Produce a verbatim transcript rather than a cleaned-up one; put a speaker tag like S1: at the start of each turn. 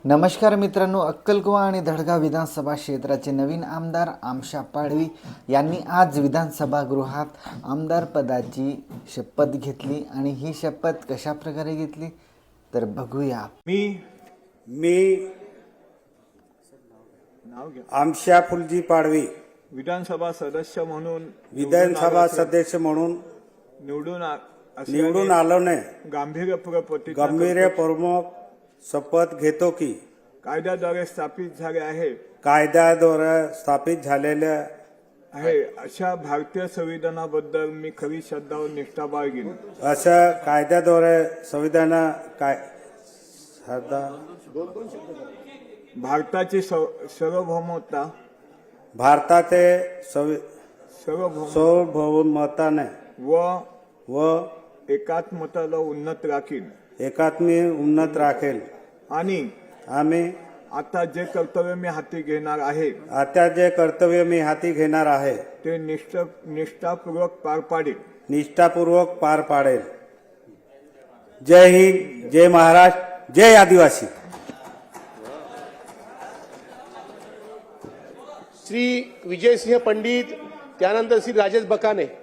S1: नमस्कार मित्रांनो, अक्कलकुवा आणि धडगाव विधानसभा क्षेत्राचे नवीन आमदार आमशा पाडवी यांनी आज विधानसभा गृहात आमदार पदाची शपथ घेतली आणि ही शपथ कशा प्रकारे घेतली तर बघूया।
S2: मी
S3: मी आमशा फुलजी पाडवी
S2: विधानसभा सदस्य म्हणून
S3: विधानसभा सदस्य म्हणून
S2: निवडून आ-
S3: निवडून आलोने
S2: गांभीर्यपूर्वक प्रतिज्ञा
S3: गंभीर
S2: करतो.
S3: प्रमुख शपथ घेतो की
S2: कायद्याद्वारे स्थापित झाले आहे
S3: कायद्याद्वारे स्थापित झालेल्या
S2: आहे अशा भारतीय संविधानाबद्दल मी खरी श्रद्धा व निष्ठा बाळगीन।
S3: असं कायद्याद्वारे संविधान काय सदा
S2: भारताची सव- सार्वभौमता
S3: भारताचे संवि-
S2: सार्वभौम
S3: सार्वभौमताने
S2: व
S3: व
S2: एकात्मताला उन्नत राखीन
S3: एकात्मी उन्नत राखेल
S2: आणि
S3: आम्ही
S2: आता जे कर्तव्य मी हाती घेणार आहे
S3: आता जे कर्तव्य मी हाती घेणार आहे
S2: ते निष्ठ निष्ठापूर्वक पार पाडेल।
S3: निष्ठापूर्वक पार पाडेल। जय हिंद, जय महाराष्ट्र, जय आदिवासी।
S4: श्री विजयसिंह पंडित, त्यानंतर श्री राजेश बकाने